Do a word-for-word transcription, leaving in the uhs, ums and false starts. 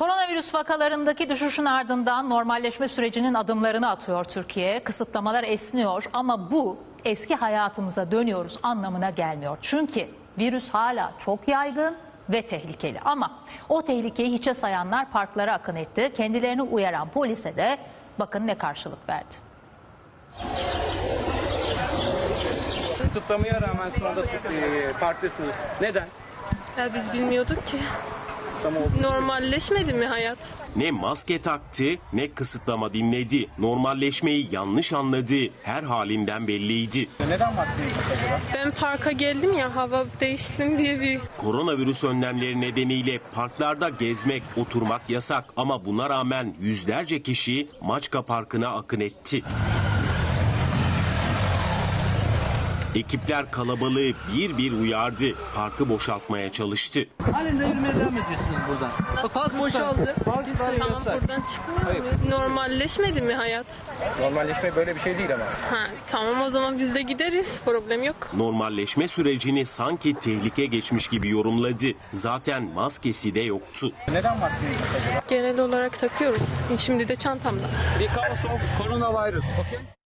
Koronavirüs vakalarındaki düşüşün ardından normalleşme sürecinin adımlarını atıyor Türkiye. Kısıtlamalar esniyor ama bu eski hayatımıza dönüyoruz anlamına gelmiyor. Çünkü virüs hala çok yaygın ve tehlikeli. Ama o tehlikeyi hiçe sayanlar parklara akın etti. Kendilerini uyaran polise de bakın ne karşılık verdi. Kısıtlamaya rağmen şu anda e, parktasınız. Neden? Ya biz bilmiyorduk ki. Kısıtlama oldu. Normalleşmedi mi hayat? Ne maske taktı ne kısıtlama dinledi. Normalleşmeyi yanlış anladı. Her halinden belliydi. Neden maskeyi acaba? Ben parka geldim ya hava değişsin diye bir... Koronavirüs önlemleri nedeniyle parklarda gezmek, oturmak yasak. Ama buna rağmen yüzlerce kişi Maçka Parkı'na akın etti. Ekipler kalabalığı bir bir uyardı. Parkı boşaltmaya çalıştı. Halen de yürümeye devam ediyorsunuz buradan. Bak park boşaldı. Park Tamam buradan çıkmıyor muyuz? Normalleşmedi mi hayat? Normalleşme böyle bir şey değil ama. Ha, tamam o zaman biz de gideriz. Problem yok. Normalleşme sürecini sanki tehlike geçmiş gibi yorumladı. Zaten maskesi de yoktu. Neden maskeyi acaba? Genel olarak takıyoruz. Şimdi de çantamda. Because of coronavirus. Okay?